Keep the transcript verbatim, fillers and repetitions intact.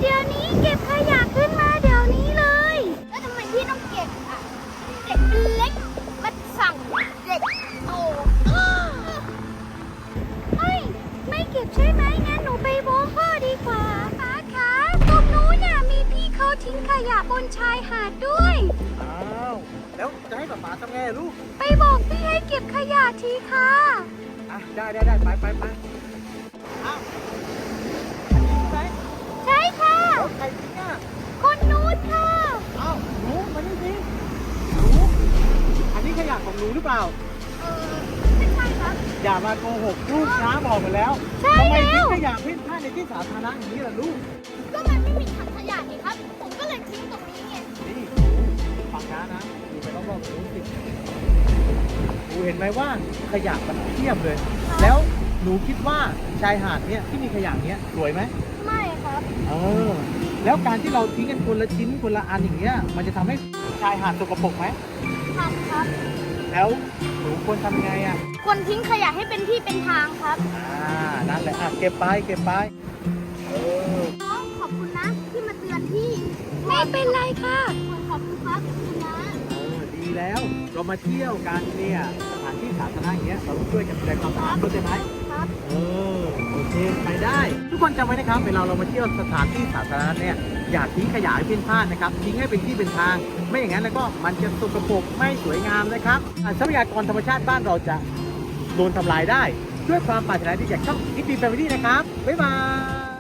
เดี๋ยวนี้เก็บขยะขึ้นมาเดี๋ยวนี้เลยแล้วทำไมพี่ต้องเก็บอ่ะเด็กเป็นเล็กมาสั่งเด็กโตไม่ไม่เก็บใช่ไหมงั้นหนูไปบอกพ่อดีกว่าป้าคะตรงนู้นน่ะมีพี่เขาทิ้งขยะบนชายหาดด้วยอ้าวแล้วจะให้ป๊าป๊าทำไงอะลูกไปบอกพี่ให้เก็บขยะทีค่ะอ่ะได้ได้ได้ไปไปไปอ้าวอันนี้ใช่ไหมใช่ค่ะแล้วใครทิ้งอ่ะคนนู้นค่ะอ้าวหนูมานี่สิหนูอันนี้ขยะของหนูหรือเปล่าเออไม่ใช่ครับอย่ามาโกหกลูกนะบอกหมดแล้วใช่ทำไมแล้ทิ้งวขยะเพ่นพ่านในที่สาธารณะอย่างนี้ล่ะลูกก็มันไม่มีถังขยะนี่ครับ ผมก็เลยทิ้งตรงนี้ไงนี่ฟังนะนะดูไปรอบๆหนูสิหนูเห็นไหมว่าขยะมันเทียบเลย แล้วหนูคิดว่าชายหาดเนี้ยที่มีขยะเนี้ยสวยไหมไม่ครับเออ แล้วการที่เราทิ้งกันคนละชิ้นคนละอันอย่างเงี้ย มันจะทำให้ชายหาดสกปรกไหมทำครับแล้วหนูควรทำยังไงอ่ะควรทิ้งขยะให้เป็นที่เป็นทางครับอ่า นั่นแหละอ่ะเก็บไปเก็บไปเออน้องขอบคุณนะที่มาเตือนพี่ ไม่เป็นไรค่ะ ขอบคุณครับขอบคุณนะเออดีแล้ว เรามาเที่ยวกันเนี่ยสถานที่สาธารณะอย่างเงี้ย เราต้องช่วยกันดูแลความสะอาดเข้าใจไหมครับเออ โอเค ไปได้ ทุกคนจำไว้นะครับ เวลาเรามาเที่ยวสถานที่สาธารณะเนี่ย อย่าทิ้งขยะให้เพ่นพ่านนะครับ ทิ้งให้เป็นที่เป็นทาง ไม่อย่างนั้นแล้วก็มันจะสกปรกไม่สวยงามนะครับอ่ะทรัพยากรธรรมชาติบ้านเราจะโดนทำลายได้ ด้วยความปรารถนาดีจากช่อง อี ที Family นะครับ บ๊ายบาย